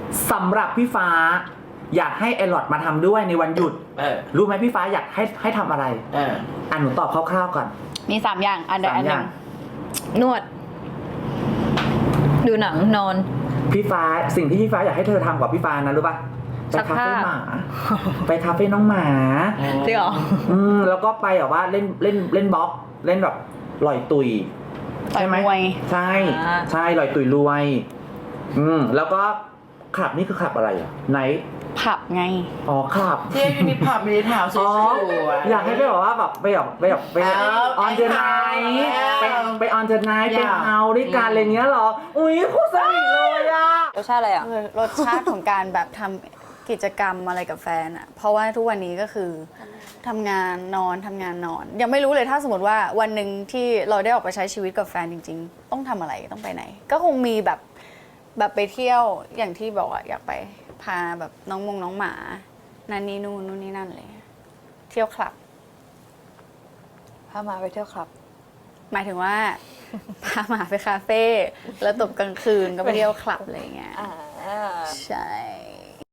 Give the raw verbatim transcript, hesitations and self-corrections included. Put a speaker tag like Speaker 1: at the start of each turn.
Speaker 1: สำหรับพี่ฟ้าอยากให้ไอหลอดมาทำด้วยในวันหยุด
Speaker 2: เออ
Speaker 1: รู้ไหมพี่ฟ้าอยากให้ให้ทำอะไร
Speaker 2: เออ
Speaker 1: อ่ะหนูตอบคร่าวๆก่อน
Speaker 3: มีสามอย่างอันใด
Speaker 1: สาม
Speaker 3: อันห
Speaker 1: อ
Speaker 3: นึ่
Speaker 1: ย่าง
Speaker 3: งนวด ดูหนังนอน
Speaker 1: พี่ฟ้าสิ่งที่พี่ฟ้าอยากให้เธอทำกับพี่ฟ้านะรู้ป่ะไป
Speaker 3: ซัก
Speaker 1: คา
Speaker 3: ผ้า
Speaker 1: เฟ่หมา ไปคาเฟ่น้องหมา
Speaker 3: จริงเหรอ
Speaker 1: อืมแล้วก็ไปแบบว่าเล่นเล่นเล่นบล็อกเล่นแบบลอยตุย
Speaker 3: ต่อย
Speaker 1: ใช่ไหม
Speaker 3: มวย
Speaker 1: ใช่
Speaker 3: อ่า
Speaker 1: ใช่ลอยตุยรวย อืมแล้วก็ขับนี่คือขับอะไรอ่ะไหน
Speaker 3: ผับไง
Speaker 1: อ๋อขับ
Speaker 2: เที่ยวยูนิพอร์ตมีแถวส
Speaker 1: อ๋อ
Speaker 2: วยๆ
Speaker 1: อยากให้ไปแบบว่าแบบไปแบบไปแบบไป
Speaker 2: เอา
Speaker 1: ออนเดอร์ไนท์ไป
Speaker 2: เอา
Speaker 1: ไปออนเดอร์ไนท์
Speaker 2: อ
Speaker 1: ไป
Speaker 2: ยาก
Speaker 1: เฮาด้วยกันอะไรเงี้ยเหรอ อุ้ยโคตรสนิทเลยอ่ะ
Speaker 3: รสชาติอะไรอ่ะ
Speaker 4: คือรสชาติของการแบบทำกิจกรรมอะไรกับแฟนอะเพราะว่าทุกวันนี้ก็คือทำงานนอนทำงานนอน ยังไม่รู้เลยถ้าสมมติว่าวันหนึ่งที่เราได้ออกไปใช้ชีวิตกับแฟนจริง ๆ ต้องทำอะไรต้องไปไหน ก็คงมีแบบแบบไปเที่ยวอย่างที่บอกอะอยากไปพาแบบน้องมงน้องหมานั่นนี่นู่นนู่นนี่นั่นเลยเที่ยวคลับ
Speaker 3: พามาไปเที่ยวคลับ
Speaker 4: หมายถึงว่า พาหมาไปคาเฟ่แล้วตบกลางคืนก็ไปเที่ยวคลับอะไรอย่างเงี้ยใช่